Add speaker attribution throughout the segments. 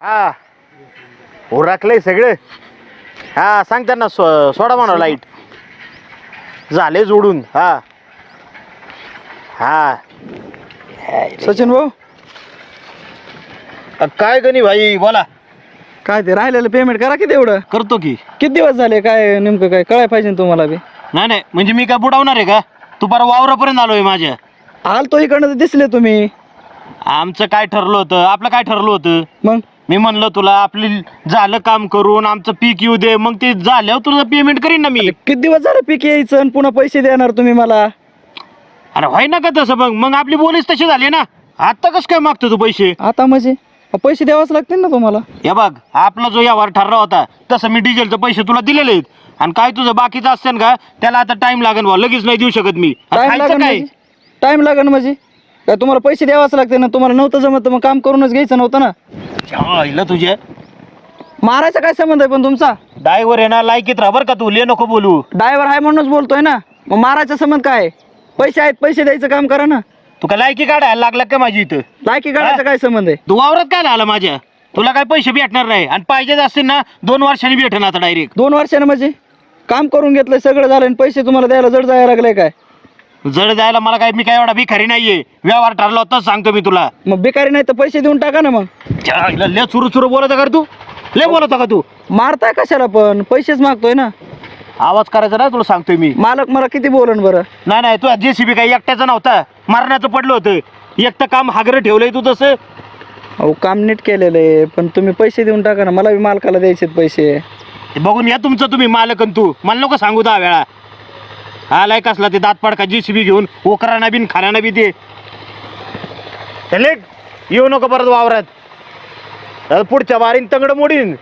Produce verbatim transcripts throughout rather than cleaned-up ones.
Speaker 1: हा उरकलंय सगळं. हा सांग त्यांना सो सोडा म्हणा लाईट झाले जोडून. हा हा
Speaker 2: सचिन भाऊ
Speaker 1: अ, काय गणी भाई बोला.
Speaker 2: काय ते राहिलेलं पेमेंट करा किती एवढं.
Speaker 1: करतो की.
Speaker 2: किती दिवस झाले काय नेमकं काय कळाय पाहिजे ना तुम्हाला बी.
Speaker 1: नाही नाही म्हणजे मी काय बुडवणार आहे का. तू बरं वावरापर्यंत आलोय माझ्या.
Speaker 2: आलतो इकडनं तर दिसले तुम्ही.
Speaker 1: आमचं काय ठरलं होतं आपलं काय ठरलं होतं.
Speaker 2: मग
Speaker 1: मी म्हणलं तुला आपली झालं काम करून आमचं पीक येऊ दे मग ते झाल्यावर तुला पेमेंट करीन ना मी.
Speaker 2: किती दिवस झाले पीक यायचं आणि पुन्हा पैसे देणार तुम्ही मला.
Speaker 1: अरे व्हाय ना का तसं मग मग आपली बोलीच तशी झाली ना. आता कसं काय मागतो तू पैसे.
Speaker 2: आता म्हणजे पैसे द्यावाच लागतील ना तुम्हाला.
Speaker 1: हे बघ आपला जो व्यवहार ठरला होता तसं मी डिझेलचे पैसे तुला दिलेले आहेत. आणि काय तुझं बाकीचं असतं का त्याला आता टाइम लागेल भाऊ लगेच नाही देऊ शकत मी. आणि
Speaker 2: टाइम
Speaker 1: खायचं
Speaker 2: लागेल
Speaker 1: काय
Speaker 2: म्हणजे टाइम लागेल म्हणजे काय तुम्हाला पैसे द्यावाच लागते ना. तुम्हाला नव्हतं जमत तर मग काम करूनच घ्यायचं नव्हतं ना.
Speaker 1: आईला तुझ्या
Speaker 2: मारायचा काय संबंध आहे पण तुमचा.
Speaker 1: ड्रायव्हर आहे ना लायकीत राहा बरं का तू ले नको बोलू.
Speaker 2: ड्रायव्हर आहे म्हणूनच बोलतोय ना. मग मारायचा संबंध काय. पैसे आहेत पैसे द्यायचं काम करा ना.
Speaker 1: तू का लायकी काढायला लागला का माझी इथं.
Speaker 2: लायकी काढायचा काय संबंध आहे.
Speaker 1: तू वावरात काय आला माझ्या. तुला काय पैसे भेटणार नाही आणि पाहिजेच असतील ना दोन वर्षांनी भेटणार आता डायरेक्ट.
Speaker 2: दोन वर्षाने म्हणजे काम करून घेतलंय सगळं झालं आणि पैसे तुम्हाला द्यायला जड जायला लागले काय.
Speaker 1: जड जायला मला काय मी काय एवढा भिकारी नाहीये. व्यवहार ठरला होताच सांगतो मी तुला.
Speaker 2: मग बेकारी नाही तर पैसे देऊन टाका ना. मग
Speaker 1: आईला लय सुरू सुरू बोलत का रे तू. लय बोलत का तू.
Speaker 2: मारताय कशाला पण पैसेच मागतोय ना.
Speaker 1: आवाज करायचा ना तुला सांगतोय मी.
Speaker 2: मालक मला किती बोलन बरं.
Speaker 1: नाही नाही तू जेसीबी काही एकट्याचा नव्हता. मरणाचं पडलं होतं. एक तर काम हागरं ठेवलंय तू तसं.
Speaker 2: अहो काम नीट केलेलं आहे पण तुम्ही पैसे देऊन टाका ना. मला बी मालकाला द्यायचे पैसे.
Speaker 1: ते बघून या तुमचं तुम्ही मालक आणि तू मला नको सांगू दहा वेळा. आलाय कसला ते दात पडका जेसीबी घेऊन ओकराना बिन खाना बी ते चले येऊ नको परत वावरात. आता पुढच्या वारीन तंगड मोडीन.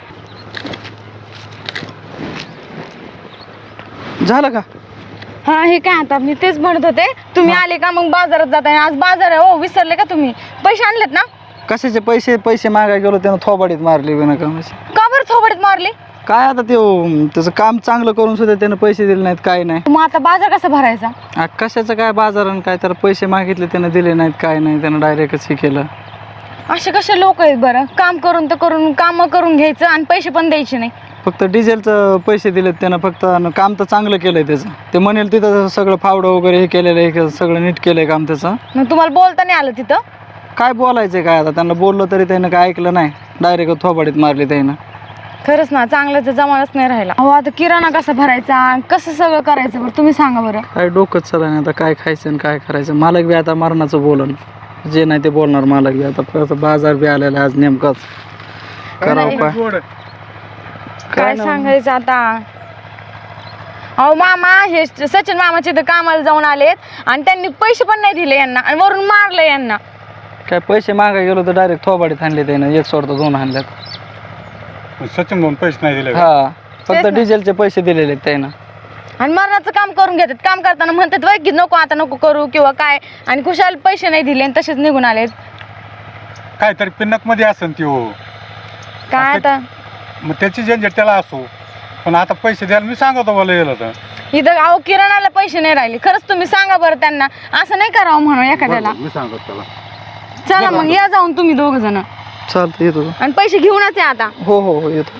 Speaker 2: झालं का.
Speaker 3: हा हे काय आता मी तेच म्हणत होते. तुम्ही आले का मग बाजारात जाताय. आज बाजार आहे. हो विसरले का तुम्ही. पैसे आणलेत ना.
Speaker 2: कशाचे पैसे पैसे मागाय गेलो त्यानं थोबाडीत मारली बिना कामाची.
Speaker 3: का बरं थोबडीत मारले.
Speaker 2: काय आता ते अं, त्याचं काम चांगलं करून सुद्धा त्यानं पैसे दिले नाहीत काय नाही.
Speaker 3: मग आता बाजार कसा भरायचा.
Speaker 2: आ, कशाचं काय बाजार आणि काय तर पैसे मागितले त्यानं दिले नाहीत काय नाही. त्यानं डायरेक्टच हे केलं.
Speaker 3: असे कसे लोक आहेत बरं. काम करून तर करून काम करून घ्यायचं आणि पैसे पण द्यायचे नाही.
Speaker 2: फक्त डिझेलचं पैसे दिलेत त्यानं फक्त. आणि काम तर चांगलं केलंय त्याचं. ते म्हणेल तिथं सगळं फावडं वगैरे हे केलेलं आहे हे सगळं नीट केलंय काम त्याचं.
Speaker 3: मग तुम्हाला बोलता नाही आलं तिथं.
Speaker 2: काय बोलायचं काय आता. त्यांना बोललो तरी त्यानं काय ऐकलं नाही. डायरेक्ट थोबाडीत मारली त्यानं.
Speaker 3: खरंच ना चांगल्याचा जमानाच नाही राहिला. अहो आता किराणा कसा भरायचा कसं सगळं करायचं बरं तुम्ही सांगा बरं.
Speaker 2: काय डोकंच चला नाही आता. काय खायचं आणि काय करायचं. मालक बी आता मरणाचं बोलन. जे नाही ते बोलणार मालक बी. आता परत बाजार बी आलेला आज नेमकाच. करावं काय
Speaker 3: काय सांगायचं आता. अहो मामा हे सचिन मामाचे तर कामाला जाऊन आलेत आणि त्यांनी पैसे पण नाही दिले यांना आणि वरून मारले यांना.
Speaker 2: काय पैसे मागाय गेलो तर डायरेक्ट थोबाडीत आणले त्यानं. एक सोडतो दोन आणल्यात.
Speaker 4: सचिन म्हणून पैसे नाही दिले.
Speaker 2: हा फक्त
Speaker 3: तेच ना.
Speaker 2: डिझेलचे पैसे दिलेले आहेत त्यानं.
Speaker 3: आणि मरणाचं काम करून घेतात. काम करताना म्हणतात वय की नको आता नको करू किंवा काय आणि खुशाल पैसे नाही दिले आणि तसेच निघून आलेत.
Speaker 4: काहीतरी पिन्नक मध्ये असेल ती हो.
Speaker 3: काय आता
Speaker 4: मग त्याची झंझट त्याला असो. पण आता पैसे द्यायला मी सांगतो मला गेलं तर.
Speaker 3: इथं अहो किराणाला पैसे नाही राहिले. खरंच तुम्ही सांगा बरं त्यांना असं नाही करावं म्हणून एखाद्याला.
Speaker 4: मी सांगतो त्याला.
Speaker 3: चला मग या जाऊन तुम्ही दोघ जण
Speaker 2: चालतं येतो.
Speaker 3: आणि पैसे घेऊनच आहे आता.
Speaker 2: हो हो हो येतो.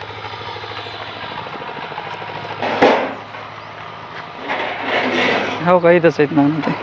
Speaker 2: हो का इथंच आहेत ना ते.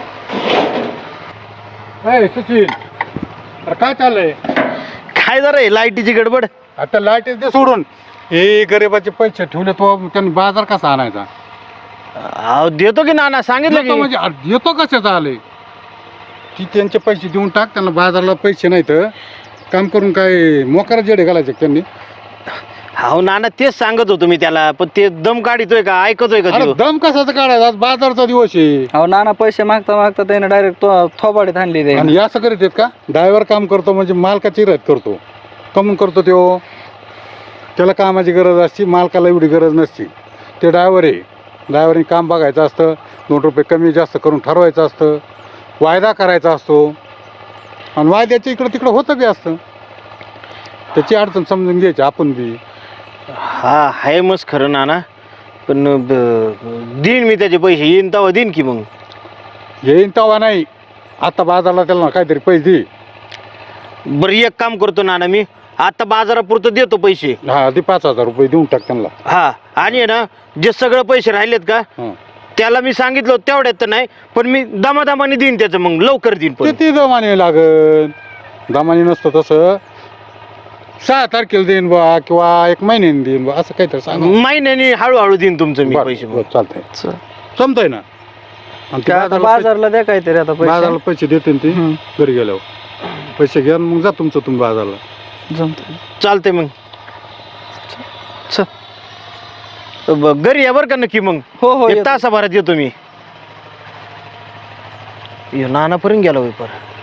Speaker 4: ए, सचिन अरे काय चाललंय.
Speaker 1: काय जरा आहे लाईटीची गडबड.
Speaker 4: आता लाईट दे सोडून. हे गरिबाचे पैसे ठेवले तो त्यांनी बाजार कसा आणायचा.
Speaker 1: अहो देतो की नाना सांगितलं
Speaker 4: येतो
Speaker 1: की.
Speaker 4: म्हणजे अरे येतो कशाचा आले. ती त्यांचे पैसे देऊन टाक. त्यांना बाजारला पैसे नाही तर काम करून काय मोकारा जेडे घालायचे त्यांनी.
Speaker 1: हो नाना तेच सांगत होतो मी त्याला पण ते दम काढितोय का ऐकतोय का
Speaker 4: अरे
Speaker 1: त्यो?
Speaker 4: दम कसाचा काढायचा. आज बाजारचा दिवस आहे.
Speaker 2: अहो नाना पैसे मागता मागता त्यानं डायरेक्ट थोबाडीत आणली ते.
Speaker 4: आणि हे असं करीत आहेत का. ड्रायव्हर काम करतो म्हणजे मालकाची रद्द करतो. कमून करतो तो. त्याला कामाची गरज असते. मालकाला एवढी गरज नसते. ते ड्रायव्हर आहे. ड्रायव्हरने काम बघायचं असतं. दोन रुपये कमी जास्त करून ठरवायचं असतं. वायदा करायचा असतो. आणि वायद्याच्या इकडं तिकडं होतं बी असतं. त्याची अडचण समजून घ्यायची आपण बी.
Speaker 1: हा आहे मस्त खरं नाना पण ब- देईन मी त्याचे पैसे येईन तेव्हा देईन की मग.
Speaker 4: येईन तेव्हा नाही. आता बाजारला त्याला काहीतरी पैसे दे.
Speaker 1: बरं एक काम करतो नाना मी आता बाजारापुरतं देतो पैसे.
Speaker 4: हा ते पाच हजार रुपये देऊन टाक त्यांना.
Speaker 1: हा आणि आहे ना जे सगळं पैसे राहिलेत का
Speaker 4: हं.
Speaker 1: त्याला मी सांगितलं होतं तेवढ्यात तर नाही, पण मी दमादमाने देईन त्याचं, मग लवकर देईन. पण
Speaker 4: किती दमाने लागन, दमाने नसतं तसं सहा तारखेला देईन बा किंवा एक महिन्याने देईन बा असं काहीतरी सांग.
Speaker 1: महिन्याने हळूहळू देईन तुमचं मी पैसे. मग
Speaker 4: चालतंय
Speaker 2: च-
Speaker 4: जमतंय ना. आणि ते
Speaker 2: काय आता
Speaker 4: बाजारला पैसे-
Speaker 2: बाजारला द्या काहीतरी आता पैसे
Speaker 4: बाजारला पैसे देते ते
Speaker 2: हं.
Speaker 4: घरी गेल्यावर पैसे घ्या मग जा तुमचं तुम्ही बाजारला.
Speaker 2: जमतंय.
Speaker 1: चालतंय मग.
Speaker 2: च-
Speaker 1: ब- घरी या बरं का नक्की. मग
Speaker 2: हो हो
Speaker 1: एक
Speaker 2: येतो.
Speaker 1: तासाभरात येतो मी. नानापर्यंत गेला होय पर